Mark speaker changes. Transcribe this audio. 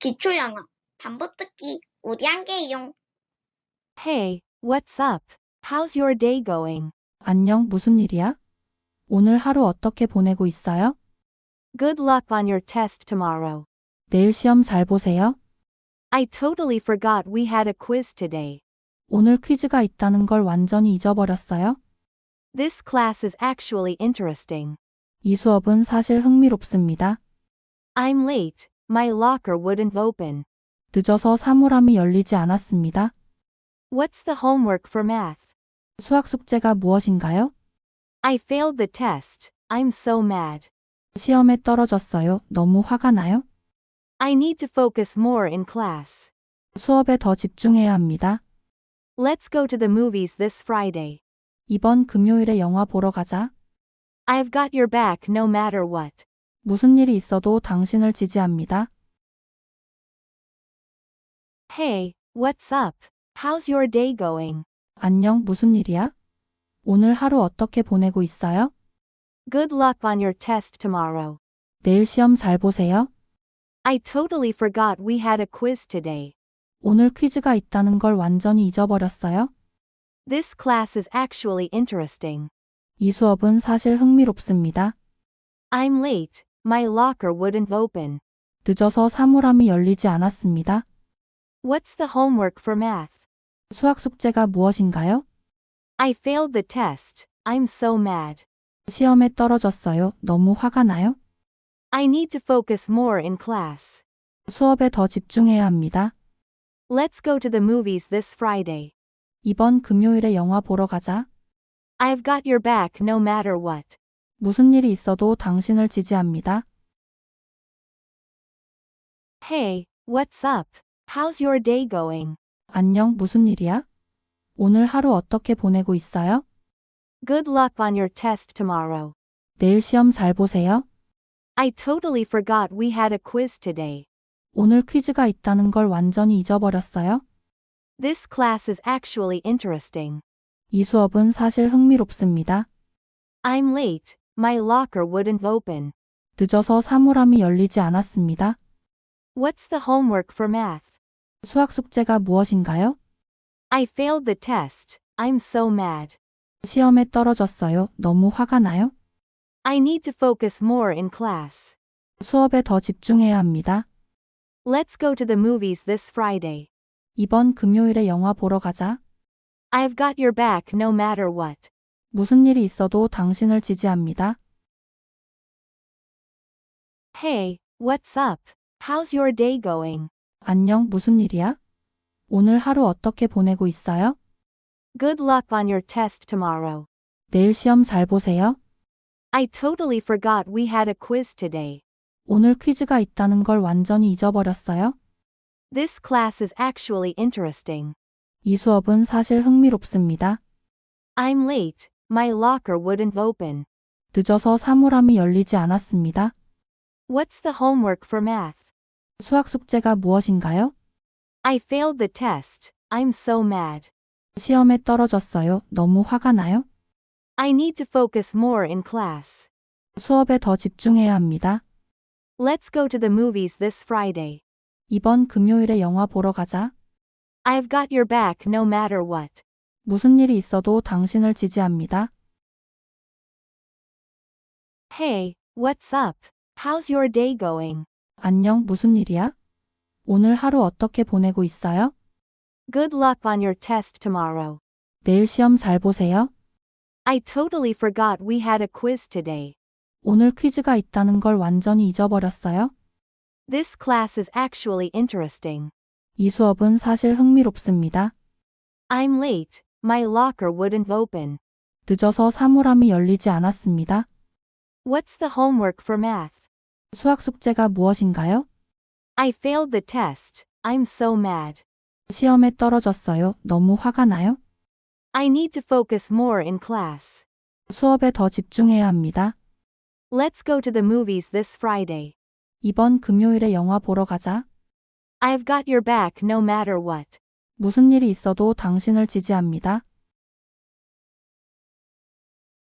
Speaker 1: 기초 영어 반복 듣기 우리 한계용.
Speaker 2: Hey, what's up? How's your day going?
Speaker 3: 안녕, 무슨 일이야? 오늘 하루 어떻게 보내고 있어요?
Speaker 2: Good luck on your test tomorrow.
Speaker 3: 내일 시험 잘 보세요.
Speaker 2: I totally forgot we had a quiz today.
Speaker 3: 오늘 퀴즈가 있다는 걸 완전히 잊어버렸어요.
Speaker 2: This class is actually interesting.
Speaker 3: 이 수업은 사실 흥미롭습니다.
Speaker 2: I'm late. My locker wouldn't open.
Speaker 3: 늦어서 사물함이 열리지 않았습니다.
Speaker 2: What's the homework for math?
Speaker 3: 수학 숙제가 무엇인가요?
Speaker 2: I failed the test. I'm so mad.
Speaker 3: 시험에 떨어졌어요. 너무 화가 나요?
Speaker 2: I need to focus more in class.
Speaker 3: 수업에 더 집중해야 합니다.
Speaker 2: Let's go to the movies this Friday.
Speaker 3: 이번 금요일에 영화 보러 가자.
Speaker 2: I've got your back no matter what.
Speaker 3: 무슨 일이 있어도 당신을 지지합니다.
Speaker 2: Hey, what's up? How's your day going?
Speaker 3: 안녕, 무슨 일이야? 오늘 하루 어떻게 보내고 있어요?
Speaker 2: Good luck on your test tomorrow.
Speaker 3: 내일 시험 잘 보세요.
Speaker 2: I totally forgot we had a quiz today.
Speaker 3: 오늘 퀴즈가 있다는 걸 완전히 잊어버렸어요.
Speaker 2: This class is actually interesting.
Speaker 3: 이 수업은 사실 흥미롭습니다.
Speaker 2: I'm late. My locker wouldn't open.
Speaker 3: 늦어서 사물함이 열리지 않았습니다.
Speaker 2: What's the homework for math?
Speaker 3: 수학 숙제가 무엇인가요?
Speaker 2: I failed the test. I'm so mad.
Speaker 3: 시험에 떨어졌어요. 너무 화가 나요?
Speaker 2: I need to focus more in class.
Speaker 3: 수업에 더 집중해야 합니다.
Speaker 2: Let's go to the movies this Friday.
Speaker 3: 이번 금요일에 영화 보러 가자.
Speaker 2: I've got your back no matter what.
Speaker 3: 무슨 일이 있어도 당신을 지지합니다.
Speaker 2: Hey, what's up? How's your day going?
Speaker 3: 안녕, 무슨 일이야? 오늘 하루 어떻게 보내고 있어요?
Speaker 2: Good luck on your test tomorrow.
Speaker 3: 내일 시험 잘 보세요.
Speaker 2: I totally forgot we had a quiz today.
Speaker 3: 오늘 퀴즈가 있다는 걸 완전히 잊어버렸어요.
Speaker 2: This class is actually interesting.
Speaker 3: 이 수업은 사실 흥미롭습니다.
Speaker 2: I'm late. My locker wouldn't open.
Speaker 3: 늦어서 사물함이 열리지 않았습니다.
Speaker 2: What's the homework for math?
Speaker 3: 수학 숙제가 무엇인가요?
Speaker 2: I failed the test. I'm so mad.
Speaker 3: 시험에 떨어졌어요. 너무 화가 나요?
Speaker 2: I need to focus more in class.
Speaker 3: 수업에 더 집중해야 합니다.
Speaker 2: Let's go to the movies this Friday.
Speaker 3: 이번 금요일에 영화 보러 가자.
Speaker 2: I've got your back no matter what.
Speaker 3: 무슨 일이 있어도 당신을 지지합니다.
Speaker 2: Hey, what's up? How's your day going?
Speaker 3: 안녕, 무슨 일이야? 오늘 하루 어떻게 보내고 있어요?
Speaker 2: Good luck on your test tomorrow.
Speaker 3: 내일 시험 잘 보세요.
Speaker 2: I totally forgot we had a quiz today.
Speaker 3: 오늘 퀴즈가 있다는 걸 완전히 잊어버렸어요.
Speaker 2: This class is actually interesting.
Speaker 3: 이 수업은 사실 흥미롭습니다.
Speaker 2: I'm late. My locker wouldn't open.
Speaker 3: 늦어서 사물함이 열리지 않았습니다.
Speaker 2: What's the homework for math?
Speaker 3: 수학 숙제가 무엇인가요?
Speaker 2: I failed the test. I'm so mad.
Speaker 3: 시험에 떨어졌어요. 너무 화가 나요?
Speaker 2: I need to focus more in class.
Speaker 3: 수업에 더 집중해야 합니다.
Speaker 2: Let's go to the movies this Friday.
Speaker 3: 이번 금요일에 영화 보러 가자.
Speaker 2: I've got your back no matter what.
Speaker 3: 무슨 일이 있어도 당신을 지지합니다.
Speaker 2: Hey, what's up? How's your day going?
Speaker 3: 안녕, 무슨 일이야? 오늘 하루 어떻게 보내고 있어요?
Speaker 2: Good luck on your test tomorrow.
Speaker 3: 내일 시험 잘 보세요.
Speaker 2: I totally forgot we had a quiz today.
Speaker 3: 오늘 퀴즈가 있다는 걸 완전히 잊어버렸어요.
Speaker 2: This class is actually interesting.
Speaker 3: 이 수업은 사실 흥미롭습니다.
Speaker 2: I'm late. My locker wouldn't open.
Speaker 3: 늦어서 사물함이 열리지 않았습니다.
Speaker 2: What's the homework for math?
Speaker 3: 수학 숙제가 무엇인가요?
Speaker 2: I failed the test. I'm so mad.
Speaker 3: 시험에 떨어졌어요. 너무 화가 나요?
Speaker 2: I need to focus more in class.
Speaker 3: 수업에 더 집중해야 합니다.
Speaker 2: Let's go to the movies this Friday.
Speaker 3: 이번 금요일에 영화 보러 가자.
Speaker 2: I've got your back no matter what.
Speaker 3: 무슨 일이 있어도 당신을 지지합니다.